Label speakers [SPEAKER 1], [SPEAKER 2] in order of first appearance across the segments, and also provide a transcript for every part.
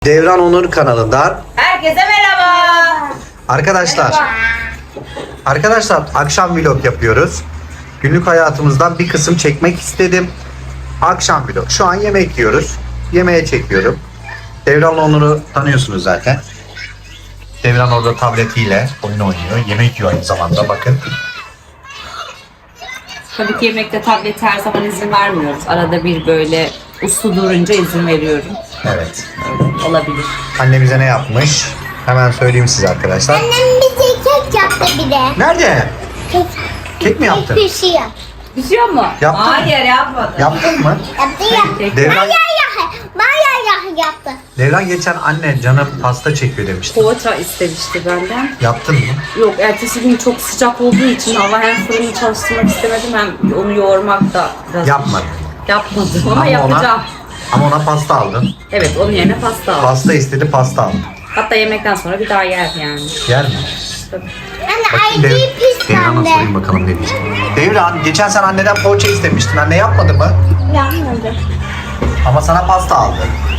[SPEAKER 1] Devran Onur kanalından
[SPEAKER 2] Herkese merhaba.
[SPEAKER 1] Arkadaşlar akşam vlog yapıyoruz. Günlük hayatımızdan bir kısım çekmek istedim. Akşam vlog. Şu an yemek yiyoruz. Yemeğe çekiyorum. Devran Onur'u tanıyorsunuz zaten. Devran orada tabletiyle oyun oynuyor. Yemek yiyor aynı zamanda, bakın.
[SPEAKER 2] Tabii ki yemekte tablete her zaman izin vermiyoruz. Arada bir böyle uslu durunca izin veriyorum.
[SPEAKER 1] Evet.
[SPEAKER 2] Olabilir.
[SPEAKER 1] Anne bize ne yapmış? Hemen söyleyeyim size arkadaşlar.
[SPEAKER 3] Annem bize kek yaptı bir de.
[SPEAKER 1] Nerede?
[SPEAKER 3] Kek.
[SPEAKER 1] Kek mi yaptın?
[SPEAKER 3] Bir şey yap.
[SPEAKER 2] Düşüyor mu?
[SPEAKER 1] Yaptın mı?
[SPEAKER 2] Hayır yapmadım.
[SPEAKER 1] Yaptın mı?
[SPEAKER 3] Yaptı.
[SPEAKER 1] Devran,
[SPEAKER 3] Bayağı yaptı.
[SPEAKER 1] Devran geçen anne canım pasta çekiyor demişti.
[SPEAKER 2] Poğaça istemişti benden.
[SPEAKER 1] Yaptın mı?
[SPEAKER 2] Yok, ertesi gün çok sıcak olduğu için hava hem fırını çalıştırmak istemedim hem onu yoğurmak da biraz...
[SPEAKER 1] Yapmadım.
[SPEAKER 2] Yapmadım ama yapacağım.
[SPEAKER 1] Ama ona pasta aldın.
[SPEAKER 2] Evet, onun yerine pasta aldım.
[SPEAKER 1] Pasta istedi, pasta aldım.
[SPEAKER 2] Hatta yemekten sonra bir daha yer yani.
[SPEAKER 1] Yer mi?
[SPEAKER 2] Tabii.
[SPEAKER 3] Anne ayıcıyı
[SPEAKER 1] Devran'a sorayım
[SPEAKER 3] pislendi.
[SPEAKER 1] bakalım ne diyecek. Devran, geçen sen anneden poğaça istemiştin. Anne yapmadı mı?
[SPEAKER 3] Yapmadı.
[SPEAKER 1] Ama sana pasta aldı.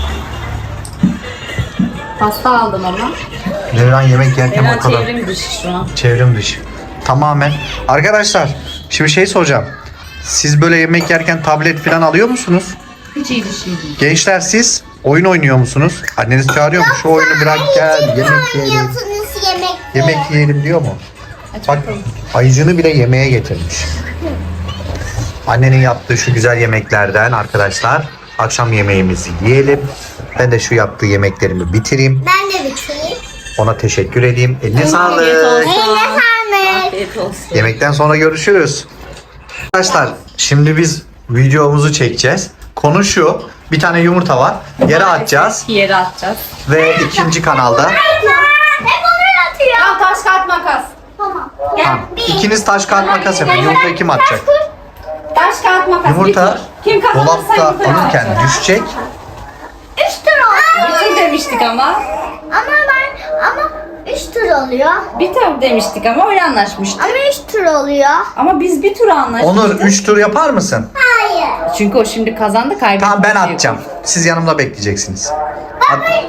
[SPEAKER 2] Pasta aldım ama.
[SPEAKER 1] Devran yemek yerken
[SPEAKER 2] Hemen
[SPEAKER 1] o kadar
[SPEAKER 2] çevrim dışı şu an.
[SPEAKER 1] çevrim dışı. Tamamen. Arkadaşlar, şimdi şey soracağım. Siz böyle yemek yerken tablet falan alıyor musunuz?
[SPEAKER 2] Hiç iyi bir şey değil.
[SPEAKER 1] Gençler, siz oyun oynuyor musunuz? Anneniz çağırıyor mu? Şu oyunu bırak gel, yemek yiyelim.
[SPEAKER 3] Oynuyorsunuz yemek.
[SPEAKER 1] Yemek yiyelim diyor mu? Bak, ayıcını bile yemeğe getirmiş. Annenin yaptığı şu güzel yemeklerden arkadaşlar akşam yemeğimizi yiyelim. Ben de şu yaptığı yemeklerimi bitireyim.
[SPEAKER 3] Ben de bitireyim.
[SPEAKER 1] Ona teşekkür edeyim. Eline
[SPEAKER 2] Afiyet
[SPEAKER 1] sağlık.
[SPEAKER 2] olsun.
[SPEAKER 3] Eline sağlık.
[SPEAKER 2] Afiyet olsun.
[SPEAKER 1] Yemekten sonra görüşürüz. Arkadaşlar, şimdi biz videomuzu çekeceğiz. Konu şu. Bir tane yumurta var. Yere atacağız.
[SPEAKER 2] Yere atacağız.
[SPEAKER 1] Ve ikinci kanalda.
[SPEAKER 3] Hep onu atıyor.
[SPEAKER 2] Tamam, taş kağıt makas.
[SPEAKER 3] Tamam.
[SPEAKER 1] Tamam. İkiniz taş kağıt makas yapın. Yumurtayı kim atacak?
[SPEAKER 2] Taş kağıt makas.
[SPEAKER 1] Yumurta
[SPEAKER 2] Kim kazanırsa
[SPEAKER 1] dolapta
[SPEAKER 2] yumurtayı
[SPEAKER 1] alırken
[SPEAKER 2] atacak.
[SPEAKER 1] düşecek.
[SPEAKER 3] 3 tur oluyor.
[SPEAKER 2] Bir tur demiştik ama.
[SPEAKER 3] Ama 3 tur oluyor.
[SPEAKER 2] Bir tur demiştik ama öyle anlaşmıştık.
[SPEAKER 3] Ama 3 tur oluyor.
[SPEAKER 2] Ama biz bir tur anlaşmıştık.
[SPEAKER 1] Onur 3 tur yapar mısın?
[SPEAKER 3] Hayır.
[SPEAKER 2] Çünkü o şimdi kazandı, kaybetti.
[SPEAKER 1] Tamam, ben atacağım. Siz yanımda bekleyeceksiniz.
[SPEAKER 3] Ama hep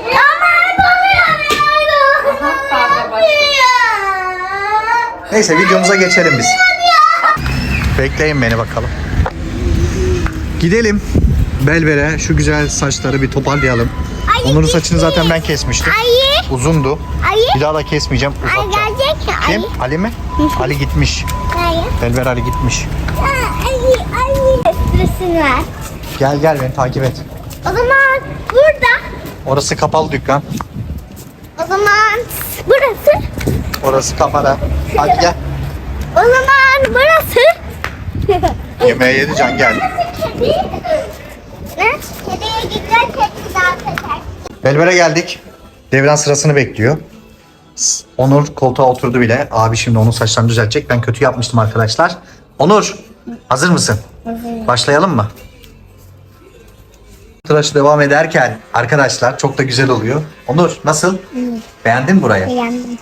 [SPEAKER 2] Kavga başladı.
[SPEAKER 1] Neyse, videomuza geçelim biz. Bekleyin beni bakalım. Gidelim. Belbere şu güzel saçları bir toparlayalım. Onur'un saçını zaten ben kesmiştim.
[SPEAKER 3] Ayı.
[SPEAKER 1] Uzundu.
[SPEAKER 3] Ayı.
[SPEAKER 1] Bir daha da kesmeyeceğim.
[SPEAKER 3] Ay
[SPEAKER 1] Uzatacağım.
[SPEAKER 3] gelecek ya.
[SPEAKER 1] Kim? Ali mi? Ali gitmiş.
[SPEAKER 3] Ayı.
[SPEAKER 1] Belber Ali gitmiş.
[SPEAKER 3] Ayı. Resim ver.
[SPEAKER 1] Gel gel, beni takip et.
[SPEAKER 3] O zaman burada.
[SPEAKER 1] Orası kapalı dükkan.
[SPEAKER 3] O zaman burası.
[SPEAKER 1] Orası kapalı. Hadi gel.
[SPEAKER 3] O zaman burası.
[SPEAKER 1] Yemeğe yedi, Can geldi.
[SPEAKER 3] Kedi. Ne? Kediye gideceğiz. Kedi daha kaçar.
[SPEAKER 1] Belber'e geldik. Devran sırasını bekliyor. Onur koltuğa oturdu bile. Abi şimdi onun saçlarını düzeltecek. Ben kötü yapmıştım arkadaşlar. Onur, hazır mısın?
[SPEAKER 3] Hazırım.
[SPEAKER 1] Başlayalım mı? Tıraşı devam ederken arkadaşlar çok da güzel oluyor. Onur, nasıl? Beğendin mi burayı?
[SPEAKER 3] Beğendim.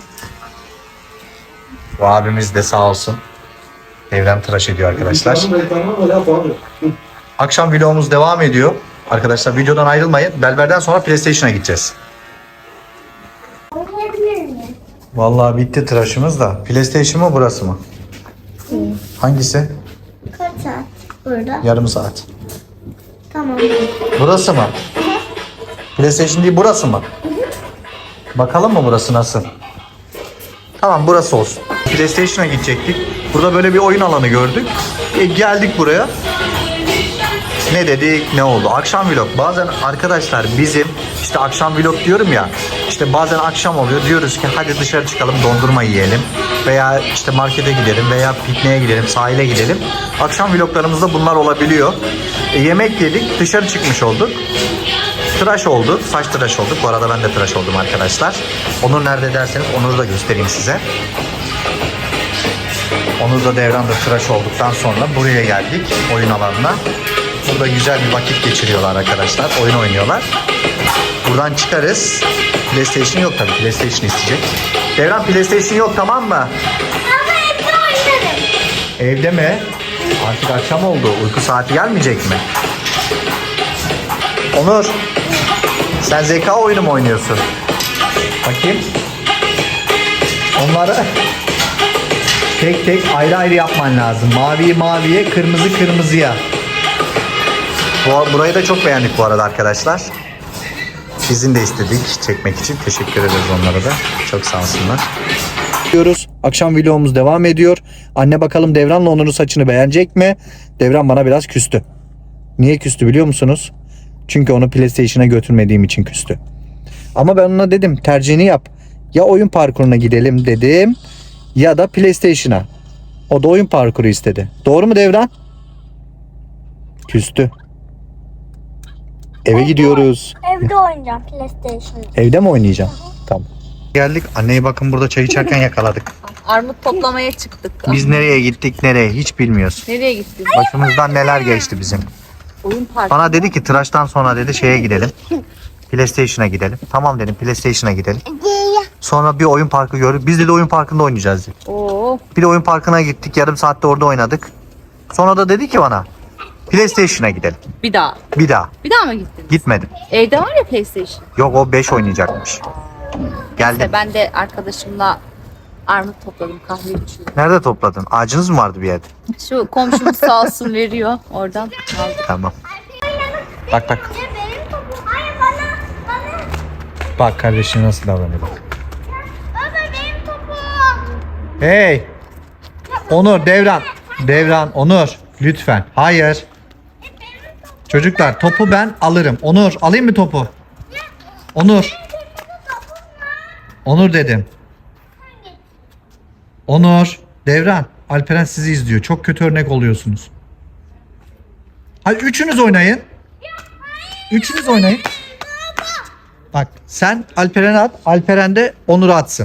[SPEAKER 1] Bu abimiz de sağ olsun. Devran tıraş ediyor arkadaşlar. Akşam vlogumuz devam ediyor. Arkadaşlar videodan ayrılmayın. Belber'den sonra PlayStation'a gideceğiz.
[SPEAKER 3] Oynayabilir miyim?
[SPEAKER 1] Vallahi bitti tıraşımız da. PlayStation mı, burası mı? Hangisi?
[SPEAKER 3] Kaç saat burada?
[SPEAKER 1] Yarım saat.
[SPEAKER 3] Tamam.
[SPEAKER 1] Burası mı? PlayStation değil, burası mı? Bakalım mı burası nasıl? Tamam, burası olsun. PlayStation'a gidecektik. Burada böyle bir oyun alanı gördük. Geldik buraya. Ne dedik, ne oldu? Akşam vlog. Bazen arkadaşlar bizim işte akşam vlog diyorum ya. İşte bazen akşam oluyor. Diyoruz ki hadi dışarı çıkalım, dondurma yiyelim. Veya işte markete gidelim veya pikniğe gidelim, sahile gidelim. Akşam vloglarımızda bunlar olabiliyor. Yemek yedik, dışarı çıkmış olduk. Tıraş olduk, saç tıraş olduk. Bu arada ben de tıraş oldum arkadaşlar. Onur nerede derseniz Onur'u da göstereyim size. Onur da Devran da tıraş olduktan sonra buraya geldik, oyun alanına. Burada güzel bir vakit geçiriyorlar arkadaşlar. Oyun oynuyorlar. Buradan çıkarız. PlayStation yok tabii. PlayStation isteyecek. Devran, PlayStation yok, tamam mı?
[SPEAKER 3] Ama evde oynarım.
[SPEAKER 1] Evde mi? Artık akşam oldu. Uyku saati gelmeyecek mi? Onur. Sen zeka oyunu mu oynuyorsun? Bakayım. Onları tek tek ayrı ayrı yapman lazım. Maviyi maviye, kırmızı kırmızıya. Burayı da çok beğendik bu arada arkadaşlar. Sizin de istedik çekmek için. Teşekkür ederiz onlara da. Çok sağ olsunlar. Diyoruz. Akşam vlogumuz devam ediyor. Anne bakalım Devran'la Onur'un saçını beğenecek mi? Devran bana biraz küstü. Niye küstü biliyor musunuz? Çünkü onu PlayStation'a götürmediğim için küstü. Ama ben ona dedim tercihini yap. Ya oyun parkuruna gidelim dedim ya da PlayStation'a. O da oyun parkuru istedi. Doğru mu Devran? Küstü. Eve gidiyoruz.
[SPEAKER 3] Evde oynayacağım PlayStation.
[SPEAKER 1] Evde mi oynayacaksın? Tamam. Geldik. Anneyi bakın burada çay içerken yakaladık.
[SPEAKER 2] Armut toplamaya çıktık.
[SPEAKER 1] Biz nereye gittik nereye hiç bilmiyoruz.
[SPEAKER 2] Nereye gittik?
[SPEAKER 1] Başımızdan neler geçti bizim.
[SPEAKER 2] Oyun parkı.
[SPEAKER 1] Bana dedi ki tıraştan sonra dedi şeye gidelim. PlayStation'a gidelim. Tamam dedim PlayStation'a gidelim. Sonra bir oyun parkı gördük. Biz de oyun parkında oynayacağız dedik.
[SPEAKER 2] Oo.
[SPEAKER 1] Bir de oyun parkına gittik. Yarım saatte orada oynadık. Sonra da dedi ki bana PlayStation'a gidelim.
[SPEAKER 2] Bir daha.
[SPEAKER 1] Bir daha.
[SPEAKER 2] Bir daha mı gittin?
[SPEAKER 1] Gitmedim.
[SPEAKER 2] Evde var ya PlayStation.
[SPEAKER 1] Yok o 5 oynayacakmış. Geldim.
[SPEAKER 2] İşte ben de arkadaşımla armut topladım, kahve içiyorum.
[SPEAKER 1] Nerede topladın? Ağacınız mı vardı bir yerde?
[SPEAKER 2] Şu komşumuz sağ olsun veriyor oradan aldım.
[SPEAKER 1] Tamam. Bak bak.
[SPEAKER 3] Benim topum. Hayır bana.
[SPEAKER 1] Bak kardeşin nasıl davranıyor bak.
[SPEAKER 3] Baba benim topum.
[SPEAKER 1] Hey. Onur, Devran. Devran, Onur. Lütfen. Hayır. Çocuklar topu ben alırım. Onur alayım mı topu? Onur. Onur dedim. Onur. Devran. Alperen sizi izliyor. Çok kötü örnek oluyorsunuz. Hadi üçünüz oynayın. Üçünüz oynayın. Bak sen Alperen'e at. Alperen de Onur'a atsın.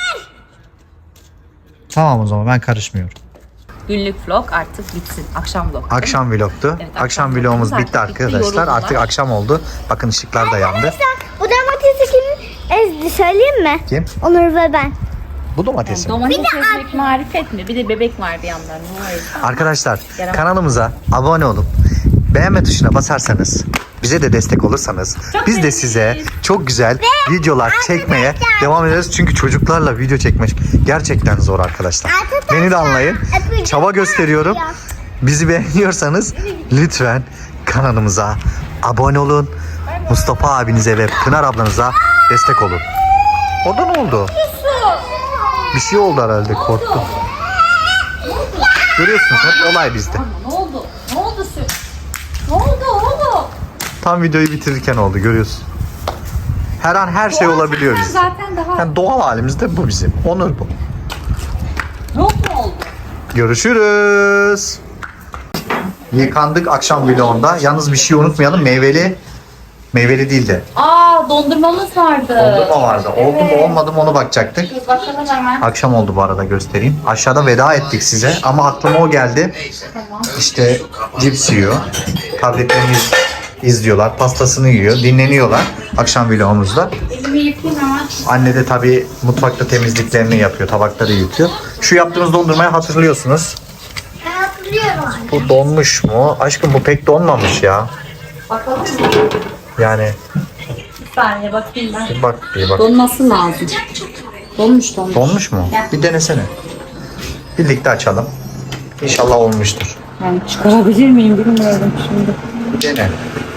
[SPEAKER 1] Tamam o zaman ben karışmıyorum.
[SPEAKER 2] Günlük vlog artık bitsin. Akşam vlog.
[SPEAKER 1] Akşam vlogtu.
[SPEAKER 2] Evet,
[SPEAKER 1] akşam
[SPEAKER 2] akşam
[SPEAKER 1] vlogumuz
[SPEAKER 2] vlogumuz
[SPEAKER 1] bitti
[SPEAKER 2] artık bitti,
[SPEAKER 1] arkadaşlar.
[SPEAKER 2] yoruldular.
[SPEAKER 1] Artık akşam oldu. Bakın ışıklar da yandı.
[SPEAKER 3] Bu domatesi kim ezdi söyleyeyim mi?
[SPEAKER 1] Kim?
[SPEAKER 3] Onur ve ben.
[SPEAKER 1] Bu domates mi?
[SPEAKER 2] Domates ezmek marifet mi? Bir de bebek var bir yandan. Hayır.
[SPEAKER 1] Arkadaşlar
[SPEAKER 2] Yaramaz.
[SPEAKER 1] kanalımıza abone olup beğenme tuşuna basarsanız bize de destek olursanız biz de size çok güzel videolar çekmeye devam ederiz. Çünkü çocuklarla video çekmek gerçekten zor arkadaşlar. Beni de anlayın. Çaba gösteriyorum. Bizi beğeniyorsanız lütfen kanalımıza abone olun. Mustafa abinize ve Pınar ablanıza destek olun. Orada ne oldu? Bir şey oldu herhalde korktum. Görüyorsunuz hep olay bizde.
[SPEAKER 2] Ne oldu? Ne oldu Süt? Ne oldu oğlum?
[SPEAKER 1] Tam videoyu bitirirken oldu görüyorsun. Her an her şey olabiliyor bizde.
[SPEAKER 2] Zaten daha
[SPEAKER 1] Yani doğal halimizde bu bizim. Onur bu.
[SPEAKER 2] yok mu oldu?
[SPEAKER 1] Görüşürüz. Yıkandık akşam vlogunda. Yalnız bir şey unutmayalım. Meyveli değil de.
[SPEAKER 2] Aa dondurmamız vardı.
[SPEAKER 1] Dondurma vardı. Oldu mu olmadı mı onu bakacaktık.
[SPEAKER 2] Dur bakalım hemen.
[SPEAKER 1] Akşam oldu bu arada göstereyim. Aşağıda veda ettik size ama aklıma o geldi. İşte cips yiyor. Tabletlerini izliyorlar. Pastasını yiyor. Dinleniyorlar akşam vlogumuzda.
[SPEAKER 2] Elimi yıkayayım hemen.
[SPEAKER 1] Anne de tabii mutfakta temizliklerini yapıyor. Tabakları yıkıyor. Şu yaptığımız dondurmayı hatırlıyorsunuz.
[SPEAKER 3] Ben hatırlıyorum.
[SPEAKER 1] Bu donmuş mu? Aşkım bu pek donmamış ya.
[SPEAKER 2] Bakalım mı?
[SPEAKER 1] Yani
[SPEAKER 2] Bir saniye bakayım ben.
[SPEAKER 1] bir bak bir bak.
[SPEAKER 2] Donması lazım. Donmuş.
[SPEAKER 1] Donmuş mu? Bir denesene. Birlikte açalım. İnşallah olmuştur.
[SPEAKER 2] Yani çıkarabilir miyim bilmiyorum şimdi.
[SPEAKER 1] Dene.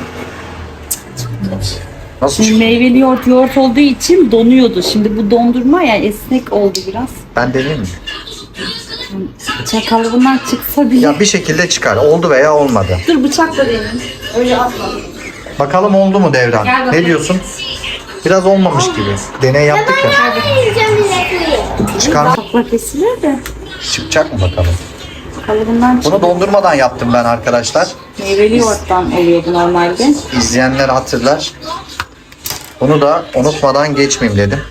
[SPEAKER 1] Nasıl
[SPEAKER 2] Şimdi
[SPEAKER 1] çıktı?
[SPEAKER 2] meyveli yoğurt olduğu için donuyordu. Şimdi bu dondurma yani esnek oldu biraz.
[SPEAKER 1] Ben deneyeyim mi?
[SPEAKER 2] Çakalıbından çıksa bile.
[SPEAKER 1] Ya bir şekilde çıkar. Oldu veya olmadı.
[SPEAKER 2] Dur bıçakla deneyim. Öyle atma.
[SPEAKER 1] Bakalım oldu mu Devran?
[SPEAKER 2] Gel bakalım.
[SPEAKER 1] Ne diyorsun? Biraz olmamış gibi. Deney yaptık ya.
[SPEAKER 3] Yiyeceğim bilekliği.
[SPEAKER 1] Çıkar
[SPEAKER 2] Sakla kesilir de.
[SPEAKER 1] çıkacak mı bakalım?
[SPEAKER 2] Kalıbından çık.
[SPEAKER 1] Bunu dondurmadan yaptım ben arkadaşlar.
[SPEAKER 2] Meyveli yoğurttan oluyordu normalde.
[SPEAKER 1] İzleyenler hatırlar. Bunu da unutmadan geçmeyeyim dedim.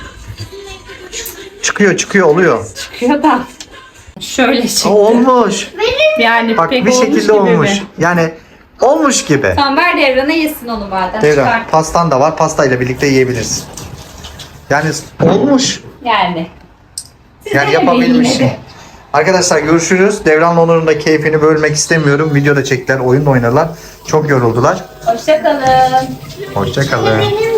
[SPEAKER 1] Çıkıyor oluyor.
[SPEAKER 2] Çıkıyor da. Şöyle çıktı.
[SPEAKER 1] Olmuş.
[SPEAKER 2] Yani
[SPEAKER 1] Bak
[SPEAKER 2] pek
[SPEAKER 1] bir
[SPEAKER 2] olmuş
[SPEAKER 1] şekilde
[SPEAKER 2] gibi
[SPEAKER 1] olmuş.
[SPEAKER 2] mi?
[SPEAKER 1] Yani olmuş gibi.
[SPEAKER 2] Tamam ver Devran'a yesin onu madem.
[SPEAKER 1] Devran
[SPEAKER 2] Çıkart.
[SPEAKER 1] pastan da var. Pastayla birlikte yiyebilirsin. Yani olmuş.
[SPEAKER 2] Yani. Siz
[SPEAKER 1] Yani
[SPEAKER 2] denemeyin
[SPEAKER 1] yapabilmişsin.
[SPEAKER 2] yine de.
[SPEAKER 1] Arkadaşlar görüşürüz. Devran'la Onur'un da keyfini bölmek istemiyorum. Videoda çektiler, oyun da oynarlar. Çok yoruldular.
[SPEAKER 2] Hoşçakalın.
[SPEAKER 1] Hoşçakalın.
[SPEAKER 3] Benim